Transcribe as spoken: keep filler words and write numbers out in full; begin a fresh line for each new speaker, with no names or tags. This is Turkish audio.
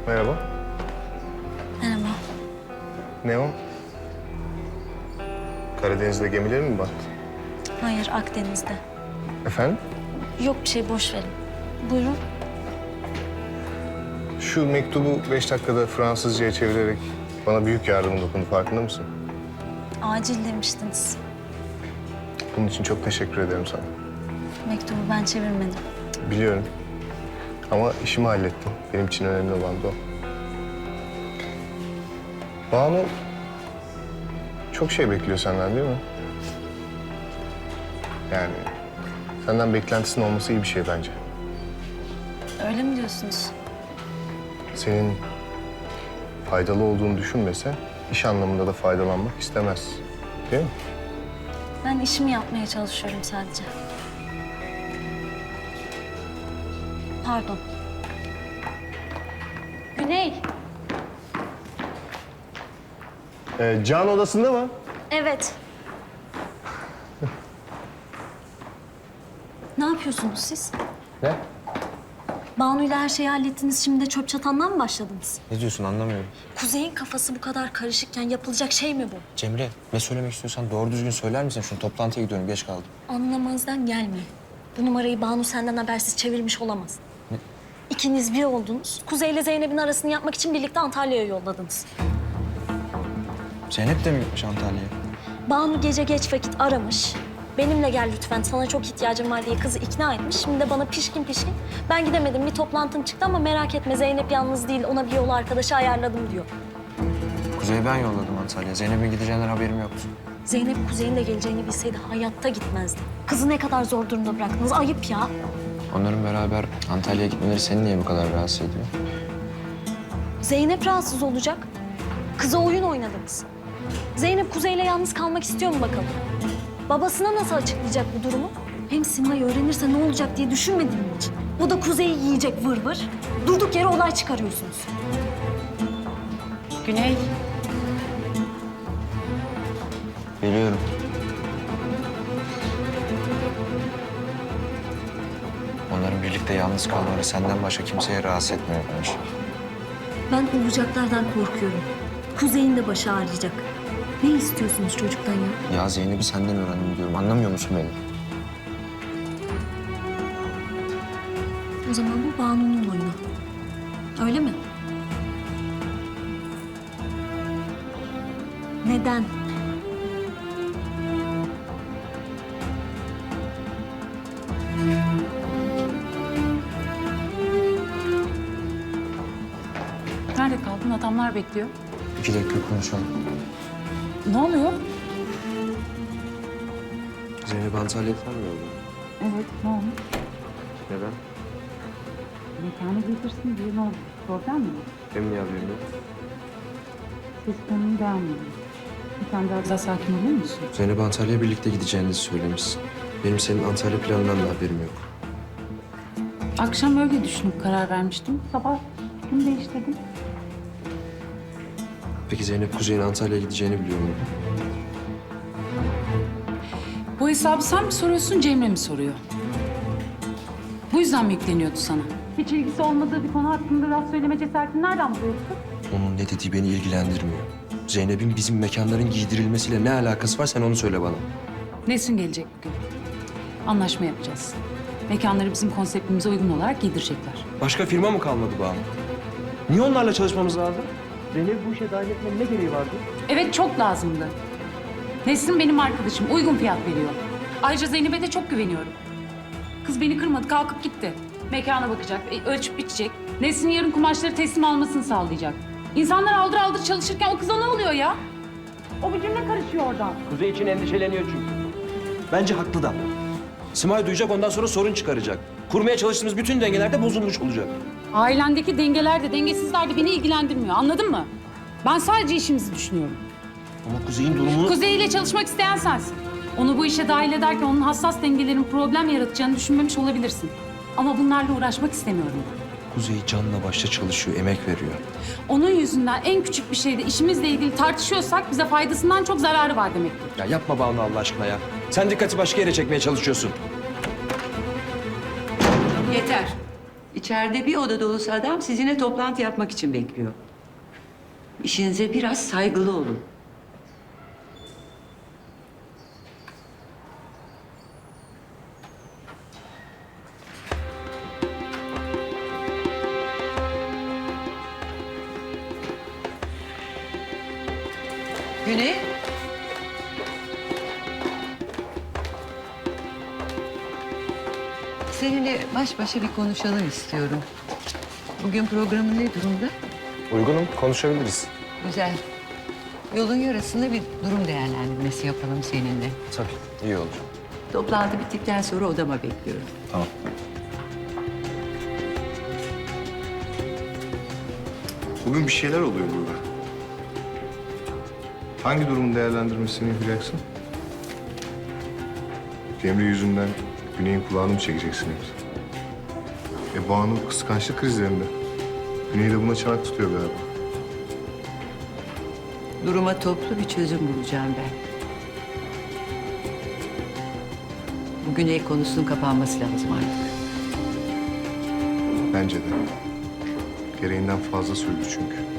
Merhaba.
Merhaba.
Ne o? Karadeniz'de gemileri mi battı?
Hayır, Akdeniz'de.
Efendim?
Yok bir şey, boş verin. Buyurun.
Şu mektubu beş dakikada Fransızca'ya çevirerek bana büyük yardım dokundu. Farkında mısın?
Acil demiştiniz.
Bunun için çok teşekkür ederim sana.
Mektubu ben çevirmedim.
Biliyorum. Ama işimi hallettim. Benim için önemli olan da o. Banu çok şey bekliyor senden değil mi? Yani senden beklentisinin olması iyi bir şey bence.
Öyle mi diyorsunuz?
Senin faydalı olduğunu düşünmese iş anlamında da faydalanmak istemez. Değil mi?
Ben işimi yapmaya çalışıyorum sadece. Pardon. Güney.
Ee, Can odasında mı?
Evet. Ne yapıyorsunuz siz?
Ne?
Banu'yla her şeyi hallettiniz, şimdi de çöp çatandan mı başladınız?
Ne diyorsun anlamıyorum.
Kuzey'in kafası bu kadar karışıkken yapılacak şey mi bu?
Cemre, ne söylemek istiyorsan doğru düzgün söyler misin? Şunu toplantıya gidiyorum, geç kaldım.
Anlamazdan gelme. Bu numarayı Banu senden habersiz çevirmiş olamaz.
Ne?
İkiniz bir oldunuz. Kuzey ile Zeynep'in arasını yapmak için birlikte Antalya'ya yolladınız.
Zeynep de mi gitmiş Antalya'ya?
Banu gece geç vakit aramış. Benimle gel lütfen, sana çok ihtiyacım var diye kızı ikna etmiş. Şimdi de bana pişkin pişkin, ben gidemedim, bir toplantım çıktı ama merak etme Zeynep yalnız değil, ona bir yol arkadaşı ayarladım diyor.
Kuzey'i ben yolladım Antalya'ya. Zeynep'in gideceğinden haberim yoktu.
Zeynep Kuzey'in de geleceğini bilseydi hayatta gitmezdi. Kızı ne kadar zor durumda bıraktınız, ayıp ya.
Onların beraber Antalya'ya gitmeleri seni niye bu kadar rahatsız ediyor?
Zeynep rahatsız olacak. Kıza oyun oynadınız. Zeynep Kuzey'le yalnız kalmak istiyor mu bakalım? Babasına nasıl açıklayacak bu durumu? Hem Simay öğrenirse ne olacak diye düşünmedin mi hiç? O da Kuzey'i yiyecek vır vır. Durduk yere olay çıkarıyorsunuz.
Güney,
Biliyorum. Onların birlikte yalnız kalmaları senden başka kimseye rahatsız etmiyormuş.
Ben olacaklardan korkuyorum. Kuzey'in de başı ağrıyacak. Ne istiyorsunuz çocuktan ya?
Ya Zeynep'i senden öğrendim diyorum. Anlamıyor musun beni?
O zaman bu Banu'nun oyunu. Öyle mi? Neden?
nerede kaldın? Adamlar bekliyor.
İki dakika konuşalım.
Ne oluyor?
Zeynep Antalya'ya falan mı yolladın?
Evet, ne olmuş?
Neden?
Mekanı getirsin diye ne oldu? Problem mi?
Benim niye haberim yok?
Ses tonunu beğenmedim. Sen biraz daha sakin olur musun?
Zeynep Antalya'ya birlikte gideceğinizi söylemişsin. Benim senin Antalya planından da haberim yok.
Akşam öyle düşünüp karar vermiştim. Sabah fikrimi değiştirdim.
Peki Zeynep Kuzey'in Antalya'ya gideceğini biliyor mu?
Bu hesabı sen mi soruyorsun, Cemre mi soruyor? Bu yüzden mi yükleniyordu sana? Hiç ilgisi olmadığı bir konu hakkında laf söyleme cesaretini nereden buluyorsun?
Onun ne dediği beni ilgilendirmiyor. Zeynep'in bizim mekanların giydirilmesiyle ne alakası var sen onu söyle bana.
Nesrin gelecek bugün. Anlaşma yapacağız. Mekanları bizim konseptimize uygun olarak giydirecekler.
Başka firma mı kalmadı Banu? Niye onlarla çalışmamız lazım? Zeynep bu işe dahil etmenin ne gereği vardı?
Evet, çok lazımdı. Nesrin benim arkadaşım, uygun fiyat veriyor. Ayrıca Zeynep'e de çok güveniyorum. Kız beni kırmadı, kalkıp gitti. Mekana bakacak, e, ölçüp biçecek. Nesrin yarın kumaşları teslim almasını sağlayacak. İnsanlar aldır aldır çalışırken o kıza ne oluyor ya? O bir cümle karışıyor oradan.
Kuzey için endişeleniyor çünkü. Bence haklı da. Simay duyacak ondan sonra sorun çıkaracak. Kurmaya çalıştığımız bütün dengeler de bozulmuş olacak.
Ailendeki dengeler de dengesizler de beni ilgilendirmiyor, anladın mı? Ben sadece işimizi düşünüyorum.
Ama Kuzey'in durumunu...
Kuzey ile çalışmak isteyen sensin. Onu bu işe dahil ederken onun hassas dengelerin problem yaratacağını düşünmemiş olabilirsin. Ama bunlarla uğraşmak istemiyorum ben.
Kuzey canla başla çalışıyor, emek veriyor.
Onun yüzünden en küçük bir şeyde işimizle ilgili tartışıyorsak bize faydasından çok zararı var demektir.
Ya yapma Banu Allah aşkına ya. Sen dikkati başka yere çekmeye çalışıyorsun.
Yeter. İçeri İçeride bir oda dolusu adam sizinle toplantı yapmak için bekliyor. İşinize biraz saygılı olun. Güney. Seninle baş başa bir konuşalım istiyorum. Bugün programın ne durumda?
Uygunum, konuşabiliriz.
Güzel. Yolun yarısında bir durum değerlendirmesi yapalım seninle.
Tabii, iyi olur.
Toplantı bittikten sonra odama bekliyorum.
Tamam. Bugün bir şeyler oluyor burada. Hangi durumun değerlendirmesini yapacaksın? Cemre yüzünden Güney'in kulağını mı çekeceksin yoksa? E Banu kıskançlık krizlerinde. Güney de buna çanak tutuyor galiba.
Duruma toplu bir çözüm bulacağım ben. Bu Güney konusunun kapanması lazım artık.
Bence de. Gereğinden fazla sürdü çünkü.